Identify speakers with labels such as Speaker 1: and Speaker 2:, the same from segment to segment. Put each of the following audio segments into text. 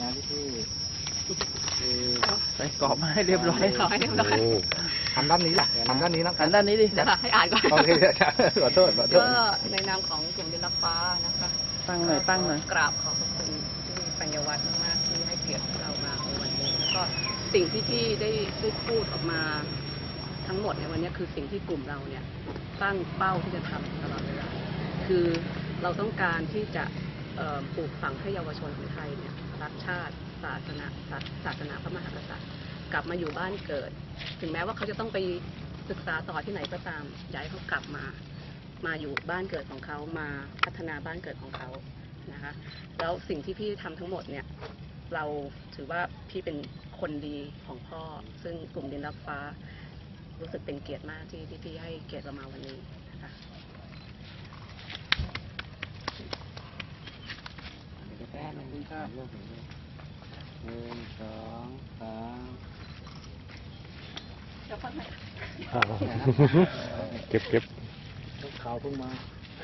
Speaker 1: พี่
Speaker 2: ใส่กรอบมาให้เรียบร้อย
Speaker 3: ขอให้เรียบร้อย
Speaker 1: หันด้านนี้ล่ะหันด้านนี้นะ
Speaker 2: หันด้านนี้ดิ
Speaker 3: เดี๋ยวให้อ่านก่อน
Speaker 1: โอเคขอโทษ
Speaker 3: ก็ในนามของกลุ่มดินรับฟ้านะคะ
Speaker 2: ตั้งหน่อยตั้งหน่อย
Speaker 3: กราบขอบพระคุณที่ปัญญาวัฒน์มากๆที่ให้เกียรติเรามาในวันนี้แล้วก็สิ่งที่พี่ได้พูดออกมาทั้งหมดในวันนี้คือสิ่งที่กลุ่มเราเนี่ยตั้งเป้าที่จะทำตลอดเวลาคือเราต้องการที่จะปลูกฝังให้เยาวชนของไทยเนี่ยรักชาติศาสนาพระมหากษัตริย์กลับมาอยู่บ้านเกิด ถึงแม้ว่าเขาจะต้องไปศึกษาต่อที่ไหนก็ตามอยากให้เขากลับมาอยู่บ้านเกิดของเขามาพัฒนาบ้านเกิดของเขานะคะแล้วสิ่งที่พี่ทำทั้งหมดเนี่ยเราถือว่าพี่เป็นคนดีของพ่อซึ่งกลุ่มดินรับฟ้ารู้สึกเป็นเกียรติมากที่พี่ให้เกียรติเรามาวันนี้นะคะ
Speaker 1: แป๊บนึงครับ1 2 3
Speaker 4: เก็บ
Speaker 1: ข่าวเพิ่งมา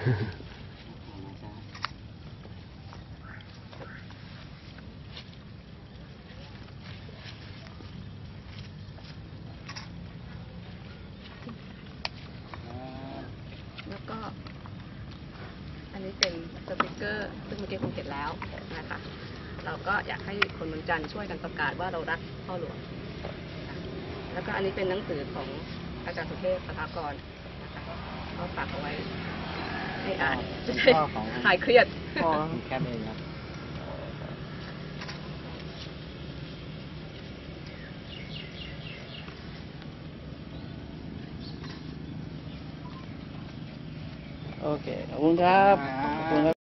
Speaker 3: แล้วก็อันนี้เป็นสติกเกอร์ซึ่งเมื่อกี้คงเห็นแล้วนะคะเราก็อยากให้คนเมืองจันทร์ช่วยกันประกาศว่าเรารักพ่อหลวงแล้วก็อันนี้เป็นหนังสือของอาจารย์สุเทพสถากรนะคะก็ฝากเอาไว้ให้อ่านจะได้หายเครียด
Speaker 1: แค่เองครับ
Speaker 2: โอเค ขอบคุณครับ ขอบคุณครับ